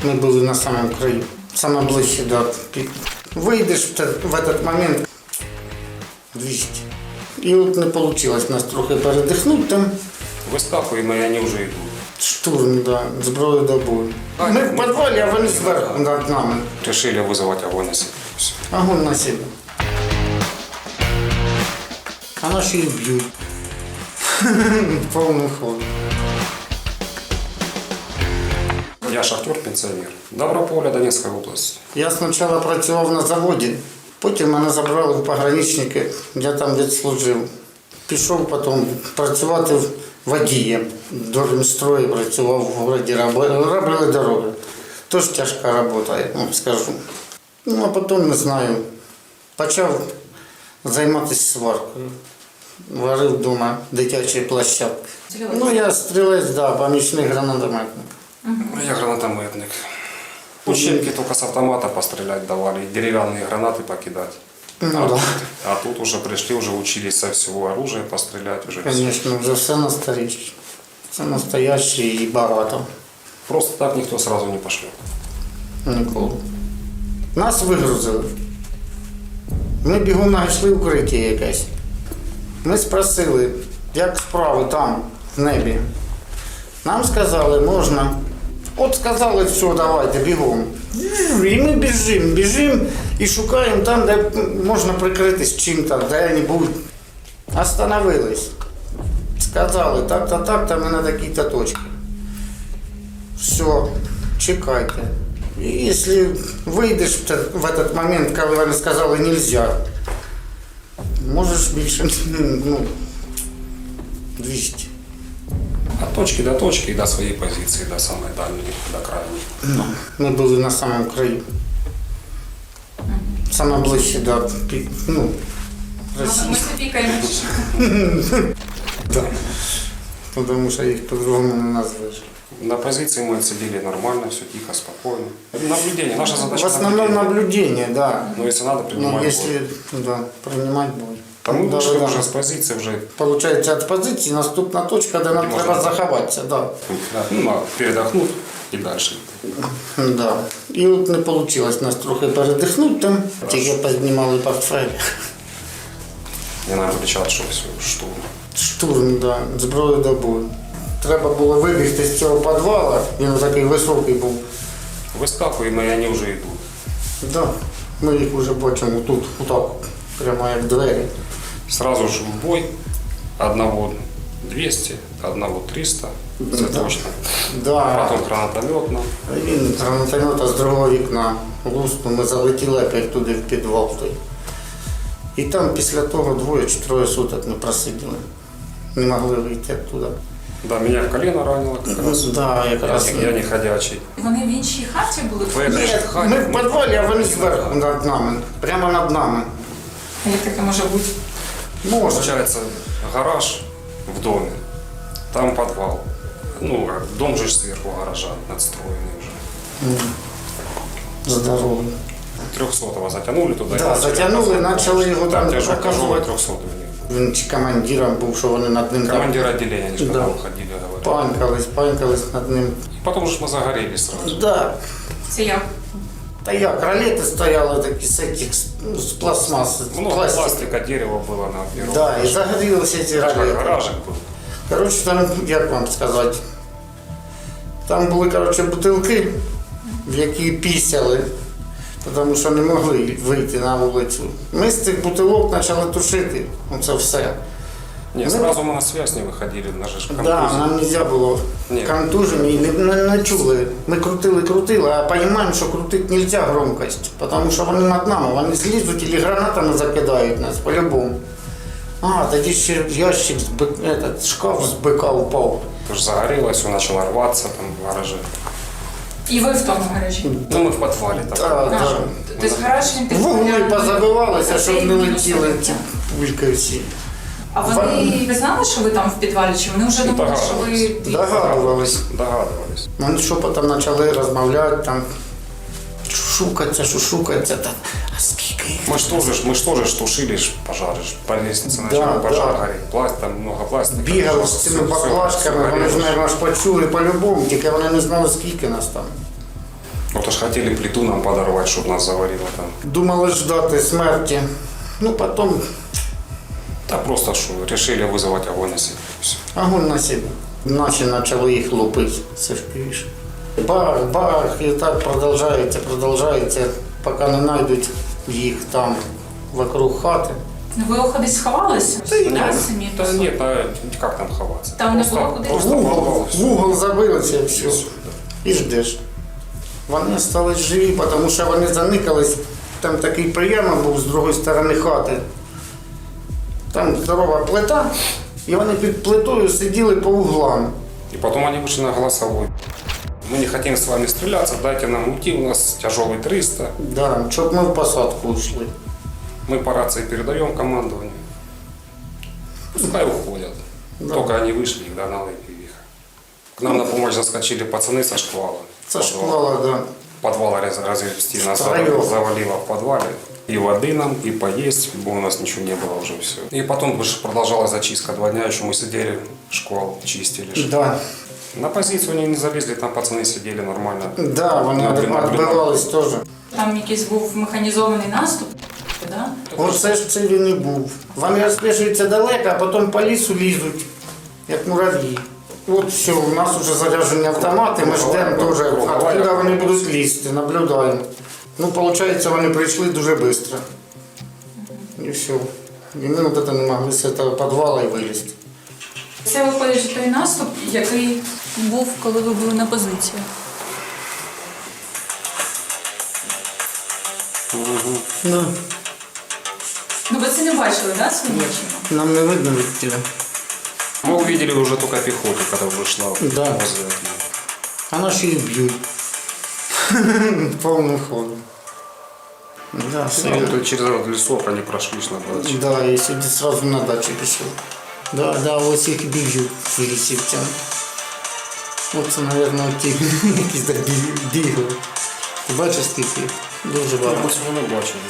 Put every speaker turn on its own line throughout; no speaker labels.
Мы были на самом краю, самое ближче до пика. Выйдешь в этот момент 200. И вот не получилось нас трохи передихнути там.
Вискакуємо, і вони вже йдуть.
Штурм, да, зброю до бою. Мы в подвале, а вони зверху над нами.
Решили вызывать огонь на себя. Все.
Огонь на себе. А наши и бьют. Полный ход.
Я шахтер-пенсіонер. Доброполя, Донецька область.
Я спочатку працював на заводі, потім мене забрали в пограничники, я там відслужив. Пішов потім працювати водієм. Дормістрої працював в місті, робили дороги. Тож тяжка робота, я вам скажу. Ну, а потім, не знаю, почав займатися сваркою. Варив вдома дитячі площадки. Ну, я стрілець, да, помічник гранатометник.
Я гранатометник. Учебки только с автомата пострелять давали, и деревянные гранаты покидать.
Ну, да.
А тут уже пришли, уже учились со всего оружия пострелять. Уже все.
Звісно, вже все настояще. Це настояще і багато.
Просто так никто сразу не пошлет.
Ніколи. Нас вигрузили. Ми бігом знайшли укриття якесь. Ми спросили, як справи там, в небі. Нам сказали, можна. От сказали, все, давайте, бігом. І ми біжимо і шукаємо там, де можна прикритись чим-то, де-небудь. Остановились. Сказали, так-то, ми на такій-то точці. Все, чекайте. І якщо вийдеш в этот момент, коли вони сказали, нельзя, можеш більше, 200.
От точки до точки и до своей позиции, до самой дальней, до крайней.
Ми були на самому краю. Саме ближче до Росії.
Ми запікаємо.
Да. Тому що їх по-другому не назвеш.
На позиции мы отсидели нормально, все тихо, спокойно. Наблюдение, наша
В
задача
основном наблюдение, да.
Но если надо,
Но
принимать бой.
если, да, принимать бой.
Там мы вышли
Да.
уже с позиции, уже
Получається, від позиції наступна точка, де нам
Можна.
треба заховатися. Да.
передохнуть и дальше.
Да. І от не вийшло нас трохи передихнути там, тільки познімали портфель.
Мне надо кричать, что все, штурм.
Штурм, да, зброю до бою. Треба було вибігти з цього підвалу, він такий високий був.
Вискакуємо, і вони вже йдуть.
Да. Ми їх вже бачимо тут, отак, прямо як двері.
Сразу же в бой. Одного 200, одного 300, це
Да.
точно.
Да.
Потом гранатометно.
Він з гранатомета з другого вікна луснув, ми залетіли опять туди в підвал той. І там після того 2 чи 3 суток ми просиділи. Не могли вийти оттуда.
Да, меня в колено ранило как раз.
Да, якраз.
Я не ходячий.
Вони в іншій хаті були?
В этой
Ні,
же хате.
ми в підвалі, а вони зверху над нами, прямо над нами.
А як таке може бути?
Може.
Получается, гараж в доме, там подвал. Ну, дом же сверху гаража надстроенный уже.
Здоровий.
300-го затянули туда.
Да, затягнули, почали його там
тяжелый
показувати.
300-го.
Він чи командиром був, що вони над ним там
Командир отделения, они же
Да.
когда уходили, говорят.
панькались над ним.
И потом же мы загорелись сразу.
Да.
Це як?
Та як, ролети стояли такі з цих, з пластмаси, з
Много
пластика.
пластика, дерева было на первом
Да, і
этаже.
загорілися ці
Как
ролети.
гаражик был.
Коротше, там, як вам сказати, там були, коротше, бутилки, в які пісяли, тому що не могли вийти на вулицю. Ми з цих бутилок почали тушити, оце все.
Не, сразу мы на связь не выходили, на же ж
Да,
контузии.
нам не можна було
Ні.
контужені, не чули. Ми крутили, а розуміємо, що крутити не можна громкость, тому що вони над нами, вони злізуть і гранатами закидають нас по-любому. А, тоді ще ящик, шкаф з бика упав.
Потому что загорелось, все начало рваться там в гараже.
І ви в тому гаражі?
Ну, мы в подвале там.
Да, да.
Тобто гараж він такий
Вугли
прям-
позабивалися, щоб не
Мінус
летіли
один,
ці
так?
пульки всі.
А ви знали, що ви там в підвалі, чи вони вже думали, що ви...
Догадувались.
Догадывались.
Вони шепотом почали розмовляти, там, шушукаться, там, а скільки їх?
Мы ж тоже тушили пожары, по лестнице
Да,
начал пожар
да.
гореть, там много пластика.
Бігали з цими баклажками, вони ж, мабуть, почули по-любому, тільки вони не знали, скільки нас там.
Вот аж хотели плиту нам подорвать, чтобы нас заварило там.
Думали ждати смерті. Ну, потім
Да просто что, решили вызывать огонь на себя. Всё.
огонь на себе. Наші почали їх лупити. Це ж півіше. Бах, бах, і так продовжується, поки не знайдуть їх там вокруг хати.
Ви кудись сховалися? Да, самі?
Да нет, как там ховаться?
Там не было куда?
Просто
В
подвал, всё.
угол забилися і все.
И всё, да.
І ждеш. Вони стали живі, тому що вони заникались. Там такий прийом був з другої сторони хати. Там здорова плита, і вони під плитою сиділи по углам.
И потом они вышли на голосовой. Мы не хотим с вами стреляться, дайте нам уйти, у нас тяжелый 300.
Да, щоб ми в посадку йшли.
Мы по рации передаем командованию. Пускай уходят.
Да.
Только они вышли, их догнала пивиха. К нам на помощь заскочили пацаны со шквала.
Це школа, да.
Подвал развести нас
Втроём.
завалило в подвале. И воды нам, и поесть, бо у нас ничего не было уже все. И потом же продолжалась зачистка 2 дня, еще мы сидели, шквал чистили.
Да,
На позицию они не залезли, там пацаны сидели нормально.
да, вони
Наблюдали.
відбивались теж.
Там якийсь був механізований наступ, да?
Оце ж це він і був. Вони розпишуються далеко, а потім по лісу лізуть, як мурав'ї. От все, у нас вже заряджені автомати, ми ждемо теж, откуда вони будуть лізти, наблюдаємо. Ну, виходить, вони прийшли дуже швидко. І все. І ми от це не могли з цього підвалу і вилізти.
Це виходить той наступ, який був, коли ви були на позиції.
Ну,
Ну ви це не бачили, да, своїми очима?
нам не видно від тебе.
Мы увидели уже только пехоту, когда вышла
Да.
возле окна.
А наші їх б'ють. Повним ходом. Да, все.
Ну, то через этот лесок они прошлись на даче.
Да, я сюди сразу на дачу пішов. Да, да, ось їх б'ють лісівцям. Оце, мабуть, ті, які так бігали. Ти бачиш, скільки їх? Дуже багато.
Ми не бачили.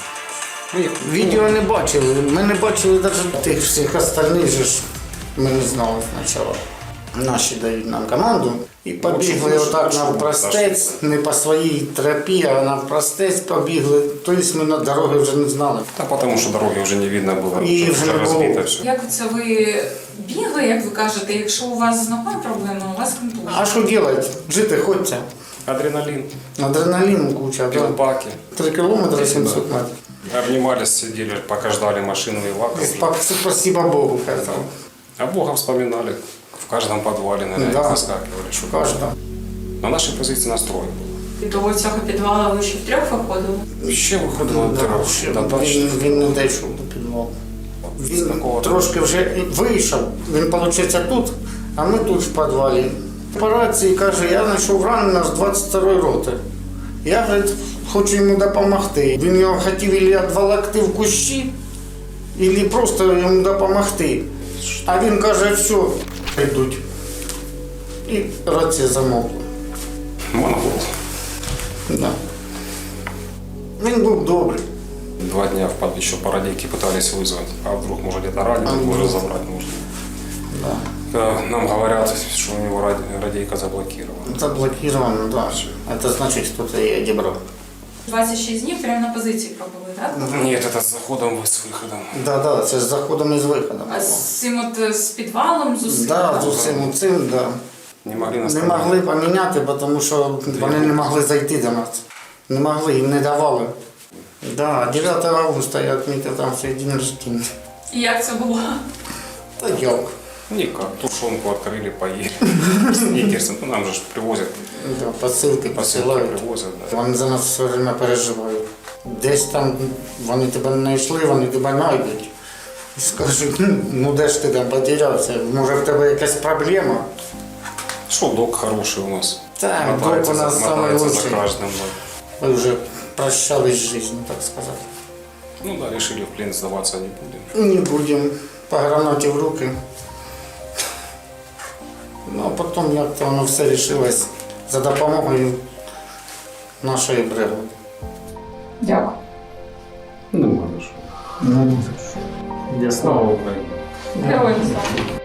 Відео не бачили. Ми не бачили навіть тих всіх остальних же ж. Ми не знали спочатку. Наші дають нам команду і побігли отак навпростець, не по своїй тропі, а навпростець побігли. Тобто ми на дороги вже не знали.
Да потому что дороги уже не видно было.
И
уже
уже не
разбито
было.
все.
Як це ви бігли, як ви кажете, якщо у вас з ногою проблема, у вас контузія?
А що робити? Жити хочеться.
Адреналин,
Адреналіну куча. Да.
пилбаки.
3 кілометри 700 метрів.
Обнимались, сидели, пока ждали машину и лаков.
Спасибо Богу, казав.
А Бога вспоминали. В каждом подвале, наверное,
Да.
выскакивали. Что
Кожна.
на нашей позиции настрой был.
До цього підвалу ви ще втрьох виходили?
Ще виходило
Да, ще він не дійшов до підвалу. Він трошки вже вийшов. Він, виходить, тут, а ми тут в підвалі. По рації каже, я знайшов раненого з 22-ї роти. Я, говорить, хочу йому допомогти. Він його хотів або відволокти в кущі, або просто йому допомогти. А він каже, все, йдуть. І рація замовкла.
Монгол.
Да. Він був добрий.
2 дня еще по радийке пытались вызвать. А вдруг, может, где-то ранен,
вдруг?
уже забрать нужно.
Да.
Нам говорят, что у него радийка заблокирована.
Заблокировано, да. Это значит, кто-то ее одебрал.
26 днів прямо на позиції пробули, так?
Нет, это с заходом, с выходом.
Да, да, це з заходом і з виходом.
А з цим от з підвалом, з усім?
Да, з усім цим, да.
Не могли нас
Не могли поміняти, тому що вони не могли зайти до нас. Не могли, їм не давали. Да, 9 августа я відмітив там свій день рождения.
І як це було?
Та як?
Никак. Тушенку открыли, поели. Сникерсы. Ну, нам же ж привозят.
Да, посилки
Посылки
посилають.
привозят. Да.
Вони за нас все время переживають. Десь там вони тебе не знайшли, вони тебе знайдуть. І скажуть, ну де ж ти там потерявся, може в тебе якась проблема?
Шо, док хороший у нас.
Так,
Мотается
док у нас
за-
самый
мотается
лучший.
за каждым. Да.
Ми вже прощались з життю, так сказати.
Ну да, решили в плен сдаваться не будем.
Не будемо по гранаті в руки. Ну а потім як-то воно все вирішилось за допомогою нашої бригади.
Дякую.
Ну, хорошо.
Я
Слава Украине.
Героям слава.